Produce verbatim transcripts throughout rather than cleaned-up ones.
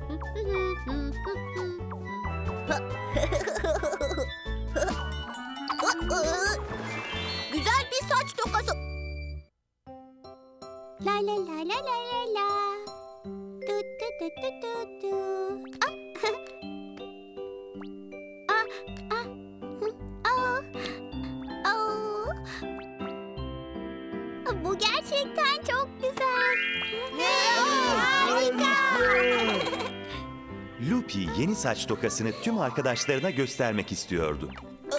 Güzel bir saç tokası. La la la la la la la. Du du du du du du. Ah. Ah, ah. Hı, ah. Ah. Bu gerçekten çok güzel. Harika. Lupi yeni saç tokasını tüm arkadaşlarına göstermek istiyordu.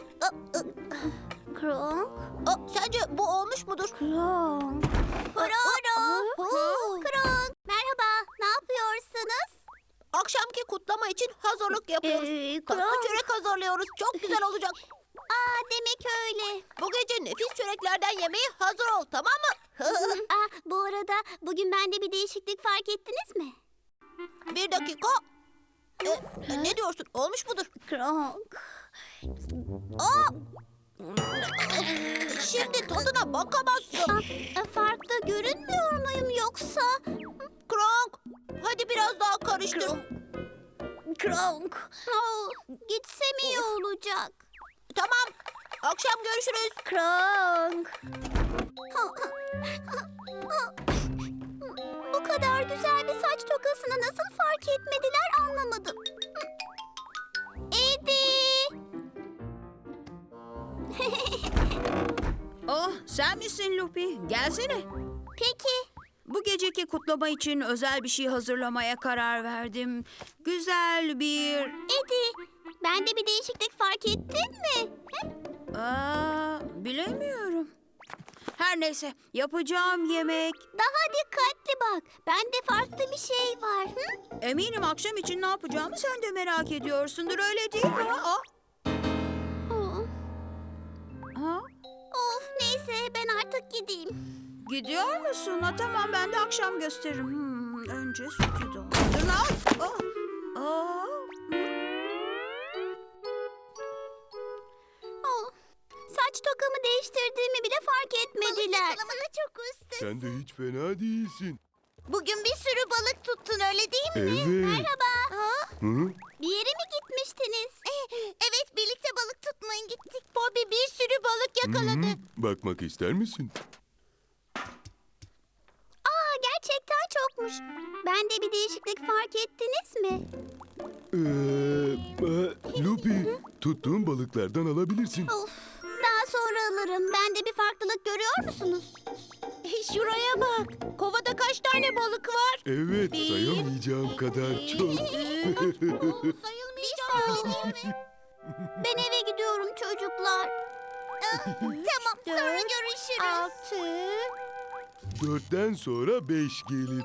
Kronk. Aa, sence bu olmuş mudur? Kronk. Kronk. Kronk. Merhaba. Ne yapıyorsunuz? Akşamki kutlama için hazırlık yapıyoruz. Ee, Tatlı Kronk. çörek hazırlıyoruz. Çok güzel olacak. Aa, demek öyle. Bu gece nefis çöreklerden yemeye hazır ol, tamam mı? Aa, bu arada bugün bende bir değişiklik fark ettiniz mi? Bir dakika. Ee, ne diyorsun? Olmuş mudur? Kronk. Aa! Şimdi tadına bakamazsın. Aa, farklı görünmüyor muyum yoksa? Kronk, hadi biraz daha karıştır. Kronk. Aa, gitsem iyi olacak. Tamam. Akşam görüşürüz. Kronk. Bu kadar güzel bir saç tokasını nasıl fark etmediler anlamadım. Eddie. Oh, sen misin Lupi? Gelsene. Peki. Bu geceki kutlama için özel bir şey hazırlamaya karar verdim. Güzel bir... Eddie, bende bir değişiklik fark ettin mi? Aa, bilemiyorum. Her neyse, yapacağım yemek... Daha dikkatli bak. Bende farklı bir şey var. Hı? Eminim akşam için ne yapacağımı sen de merak ediyorsundur, öyle değil mi? Ha? Oh. Ha? Of, neyse ben artık gideyim. Gidiyor musun? Ha, tamam, ben de akşam gösteririm. Hmm, önce sütü doldur. Al. Oh. Aa. Oh. Saç tokamı değiştirdiğimi bile fark etmediler. çok üstü. Sen de hiç fena değilsin. Bugün bir sürü balık tuttun öyle değil mi? Evet. Merhaba. Ha? Hı? Bir yere mi gitmiştiniz? Evet, birlikte balık tutmaya gittik. Bobby bir sürü balık yakaladı. Hı hı. Bakmak ister misin? Aa, gerçekten çokmuş. Bende bir değişiklik fark ettiniz mi? Ee, e, Lupi, tuttuğun balıklardan alabilirsin. Of, daha sonra alırım. Bende bir farklılık görüyor musunuz? Şuraya bak. Kovada kaç tane balık var? Evet, Bir- sayamayacağım kadar çok. Sayılmayacak değil mi? Ben eve gidiyorum çocuklar. Tamam, sonra görüşürüz. Altı. Dörtten sonra beş gelir.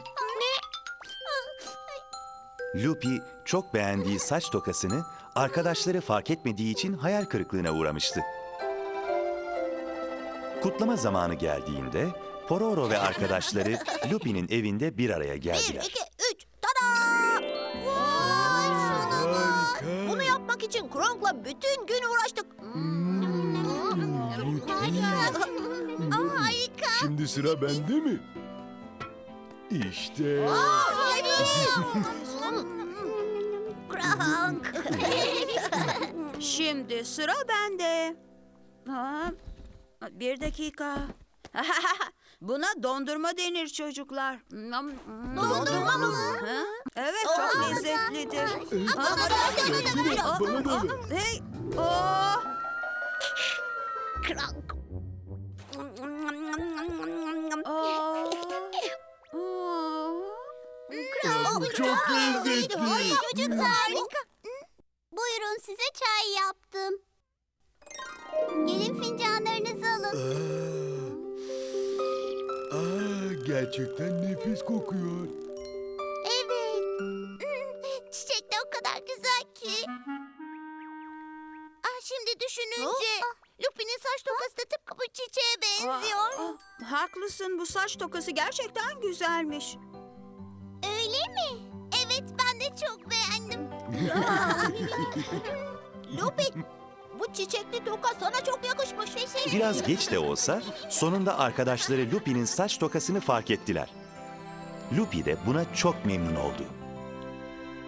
Lupi çok beğendiği saç tokasını arkadaşları fark etmediği için hayal kırıklığına uğramıştı. Kutlama zamanı geldiğinde Pororo ve arkadaşları Lupi'nin evinde bir araya Bir, geldiler. iki, üç. Tada! Vay canına. Harika. Bunu yapmak için Kronk'la bütün gün uğraştık. Aa, harika. Şimdi sıra bende mi? İşte. Kronk. Şimdi sıra bende. Ha, bir dakika. Buna dondurma denir çocuklar. Dondurma mı? Ha? Evet, çok lezzetlidir. Ha? Versene, bana da ver. Hey, oh. Kronk. Oh. Oh. Çok lezzetli. Çocuklar. Harika. Buyurun, size çay yaptım. Gelin fincanlarınızı alın. Aa, aa, gerçekten nefis kokuyor. Evet. Çiçek de o kadar güzel ki. Ah, şimdi düşününce Lupi'nin saç tokası da tıpkı bu çiçeğe benziyor. Aa, aa, haklısın, bu saç tokası gerçekten güzelmiş. Öyle mi? Evet, ben de çok beğendim. Lupi, bu çiçekli toka sana çok yakışmış. Biraz geç de olsa sonunda arkadaşları Lupi'nin saç tokasını fark ettiler. Lupi de buna çok memnun oldu.